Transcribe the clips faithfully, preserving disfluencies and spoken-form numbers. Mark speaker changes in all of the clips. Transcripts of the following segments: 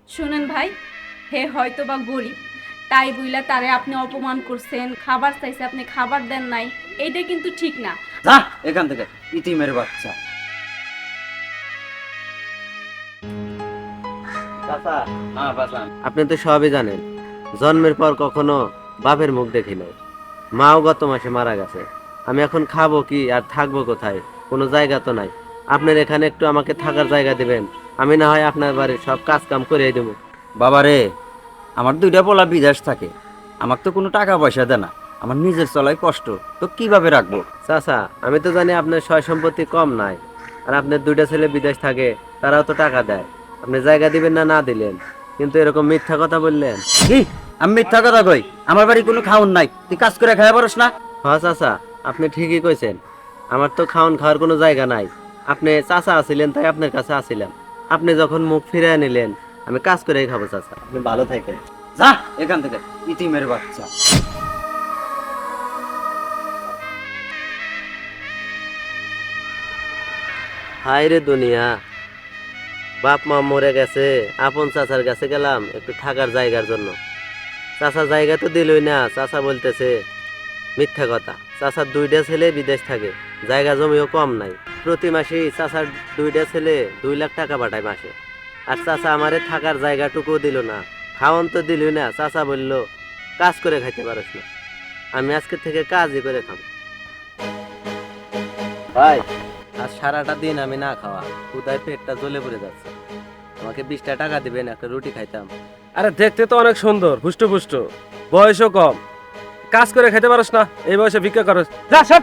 Speaker 1: শুনেন ভাই, হে হয়তো বা গরিব, তাই বুইলা তারে আপনি অপমান করছেন, খাবার চাইছে আপনি খাবার দেন নাই, এইটা কিন্তু ঠিক না।
Speaker 2: যা এখান থেকে, ইতিমের বাচ্চা।
Speaker 3: চাচা,
Speaker 2: হ্যাঁ বাজান।
Speaker 3: আপনি তো সবই জানেন, জন্মের পর কখনো বাপের মুখ দেখি নাই। মাও গত মাসে মারা গেছে। আমি এখন খাবো কি আর থাকবো কোথায়? কোনো জায়গা তো নাই। আপনার এখানে একটু আমাকে থাকার জায়গা দিবেন, আমি না হয় আপনার বাড়ির সব কাজ কাম করে দেবো।
Speaker 2: বাবা রে, আমার দুইটা পোলা বিদেশ থাকে, আমার তো কোনো টাকা পয়সা দেয় না, আমার নিজের চলাই কষ্ট, তো কিভাবে রাখবো?
Speaker 3: চাচা, আমি তো জানি আপনার সয় সম্পত্তি কম নাই, আর আপনার দুইটা ছেলে বিদেশ থাকে, তারাও তো টাকা দেয়। আপনি জায়গা দিবেন না না দিলেন, কিন্তু এরকম মিথ্যা কথা বললেন।
Speaker 2: কি? আমি মিথ্যা কথা কই? আমার বাড়ি কোনো খাওন নাই, তুই কাজ করে খাওয়া পারস না?
Speaker 3: হ্যাঁ চাচা, আপনি ঠিকই কইছেন, আমার তো খাওন খাওয়ার কোনো জায়গা নাই। আপনি চাচা আছিলেন তাই আপনার কাছে আসিলাম। আপনি যখন মুখ ফিরিয়ে নিলেন, আমি কাজ করেই খাবো চাচা। আপনি ভালো থাকেন।
Speaker 2: যা এখান থেকে, ইতিমের বাচ্চা।
Speaker 3: হায় রে দুনিয়া, বাপ মা মরে গেছে, আপন চাচার কাছে গেলাম একটু থাকার জায়গার জন্য। চাচা জায়গা তো দিলই না, চাচা বলতেছে মিথ্যা কথা। চাচার দুইটা ছেলে বিদেশ থাকে, জায়গা জমিও কম নাই। প্রতি মাসেই চাচার দুইটা ছেলে দুই লাখ টাকা পাঠায় মাসে। আর চাচা আমারে থাকার জায়গাটুকু দিল না, খাওয়ান তো দিলই না। চাচা বলল কাজ করে খাইতে পারস না। আমি আজকে থেকে কাজই করে খাবো। ভাই, আজ সারাটা দিন আমি না খাওয়া, ক্ষুধায় পেটটা জ্বলে পড়ে যাচ্ছে। আমাকে বিশটা টাকা দিবেন, একটা রুটি খাইতাম।
Speaker 4: আরে দেখতে তো অনেক সুন্দর, হুষ্ট পুষ্ট, বয়সও কম, কাজ করে খেতে পারস না, এই বয়সে ভিক্ষা করস? যা সব।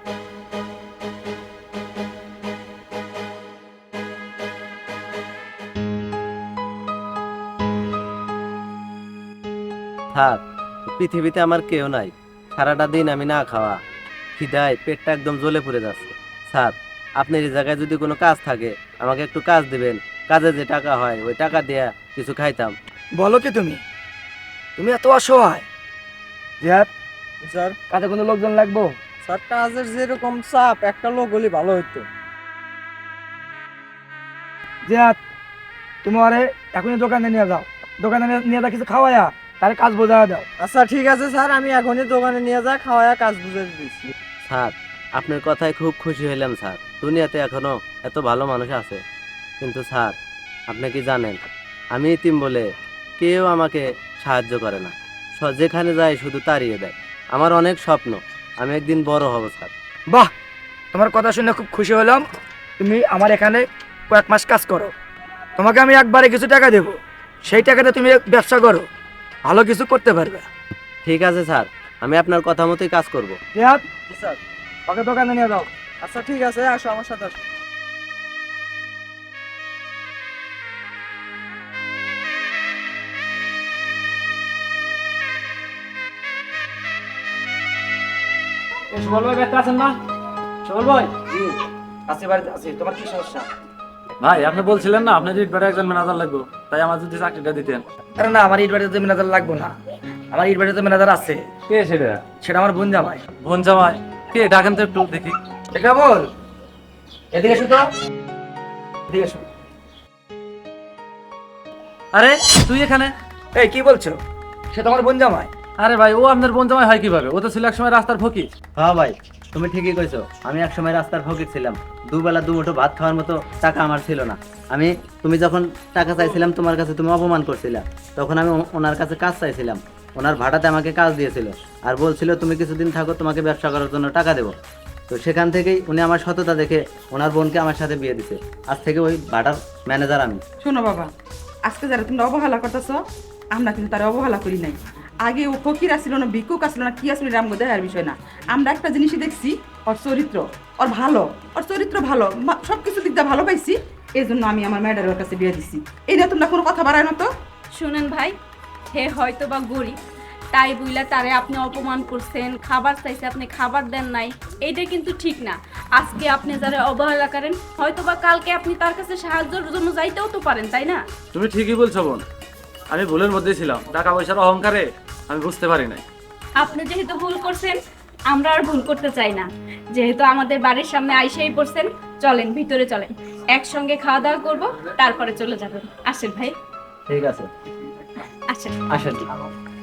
Speaker 3: থাক, পৃথিবীতে আমার কেউ নাই। সারাটা দিন আমি না খাওয়া, খিদায় পেটটা একদম জ্বলে পড়ে যাচ্ছে। স্যার, আপনার এই জায়গায় যদি কোনো কাজ থাকে, আমাকে একটু কাজ দিবেন। কাজে যে টাকা হয় ওই টাকা দিয়ে কিছু খাইতাম।
Speaker 5: বলো কি তুমি তুমি এত অসহায়? জিহাদ স্যার, কাজে কোনো লোকজন লাগবো?
Speaker 6: স্যার, কাজের যেরকম চাপ, একটা লোক হলে ভালো হতো।
Speaker 5: জিহাদ, তুমি আরে এখনই দোকানে নিয়ে যাও, দোকানে নিয়ে- নিয়ে যা কিছু খাওয়ায়া তার কাজ বোঝা দাও।
Speaker 6: আচ্ছা ঠিক আছে স্যার, আমি এখনই দোকানে নিয়ে যা খাওয়ায়া কাজ বুঝে দিচ্ছি।
Speaker 3: স্যার, আপনার কথায় খুব খুশি হইলাম স্যার। দুনিয়াতে এখনো এত ভালো মানুষ আছে। কিন্তু স্যার, আপনি কি জানেন, আমি ইতিম বলে কেউ আমাকে সাহায্য করে না। স- যেখানে যায় শুধু তাড়িয়ে দেয়। আমার অনেক স্বপ্ন, আমি একদিন বড় হব স্যার।
Speaker 5: বাহ, তোমার কথা শুনে খুব খুশি হলাম। তুমি আমার এখানে কয়েক মাস কাজ করো, তোমাকে আমি একবারে কিছু টাকা দেবো। সেই টাকাতে তুমি ব্যবসা করো, ভালো কিছু করতে পারবে।
Speaker 3: ঠিক আছে স্যার, আমি আপনার কথা মতোই কাজ করব।
Speaker 5: জিহাদ,
Speaker 6: জি স্যার।
Speaker 5: ওকে দোকানে নিয়ে যাও।
Speaker 6: আচ্ছা ঠিক আছে, আসো আমার সাথে আসো।
Speaker 5: সুবল ভাই ব্যস্ত আছেন না? সুবল ভাই, জি আছি, বাড়িতে আছি। তোমার কি সমস্যা?
Speaker 4: ভাই, আপনি বলছিলেন না আপনার ইটবারে একজন ম্যানেজার লাগবে, তাই আমার যদি চাকরিটা দিতেন।
Speaker 5: আরে না, আমার ইট বাড়িতে ম্যানেজার লাগবো না। আমার ইট বাড়িতে ম্যানেজার আছে,
Speaker 4: কে সেটা?
Speaker 5: সেটা আমার বোন জামাই।
Speaker 4: বোন জামাই? কে? ডাকেন তো একটু দেখি।
Speaker 5: এটা বল, এদিকে এসো তো, এদিকে এসো।
Speaker 4: আরে তুই এখানে?
Speaker 5: এই কি বলছো? সে তো আমার বোন জামাই।
Speaker 4: আরে ভাই, ও আপনার বোন জামাই হয় কিভাবে? ও তো ছিল এক সময় রাস্তার ফকির।
Speaker 3: হ্যাঁ ভাই, তুমি ঠিকই কইছো। আমি একসময় রাস্তার ফকির ছিলাম। দুবেলা দুমুঠো ভাত খাওয়ার মতো টাকা আমার ছিল না। আমি তুমি যখন টাকা চাইছিলাম তোমার কাছে, তুমি অপমান করছিলা। তখন আমি ও- ওনার কাছে কাজ চাইছিলাম। ওনার ভাড়াতে আমাকে কাজ দিয়েছিল, আর বলছিল তুমি কিছুদিন থাকো, তোমাকে ব্যবসা করার জন্য টাকা দেবো। তো সেখান থেকেই উনি আমার সততা দেখে ওনার বোনকে আমার সাথে বিয়ে দিছে। আজ থেকে ওই ভাড়ার ম্যানেজার আমি।
Speaker 7: শোনো বাবা, আজকে যারা তোমরা অবহেলা করতেছ, আমরা কিন্তু তারা অবহেলা করি নাই। আগে ও ফকির আসছিল না, ভিক্ষুক আসছিল না, কি আসছিল, রামগো দেখার বিষয় না। আমরা একটা জিনিসই দেখছি, ওর চরিত্র, ওর ভালো, ওর চরিত্র ভালো, সব কিছু দিক দিয়ে ভালো পাইছি। এই জন্য আমি আমার ম্যাডারের কাছে বিয়ে দিছি। এই নিয়ে তোমরা কোনো কথা বাড়ায় না তো।
Speaker 1: শুনেন ভাই, হে হয়তো বা গরিব, তাই বুইলা তারে আপনি অপমান করছেন, খাবার চাইছে আপনি খাবার দেন নাই, এইটা কিন্তু ঠিক না। আজকে আপনি যারা অবহেলা করেন, হয়তো বা কালকে আপনি তার কাছে সাহায্যের জন্য যাইতেও তো পারেন, তাই না?
Speaker 4: তুমি ঠিকই বলছো বোন, আমি ভুলের মধ্যে ছিলাম। টাকা পয়সার অহংকারে আমি বুঝতে পারি নাই।
Speaker 1: আপনি যেহেতু ভুল করছেন, আমরা আর ভুল করতে চাই না। যেহেতু আমাদের বাড়ির সামনে আইসাই পড়ছেন, চলেন ভিতরে চলেন, একসঙ্গে খাওয়া দাওয়া করবো, তারপরে চলে যাবেন। আসেন ভাই।
Speaker 2: ঠিক আছে
Speaker 1: আচ্ছা
Speaker 2: আসেন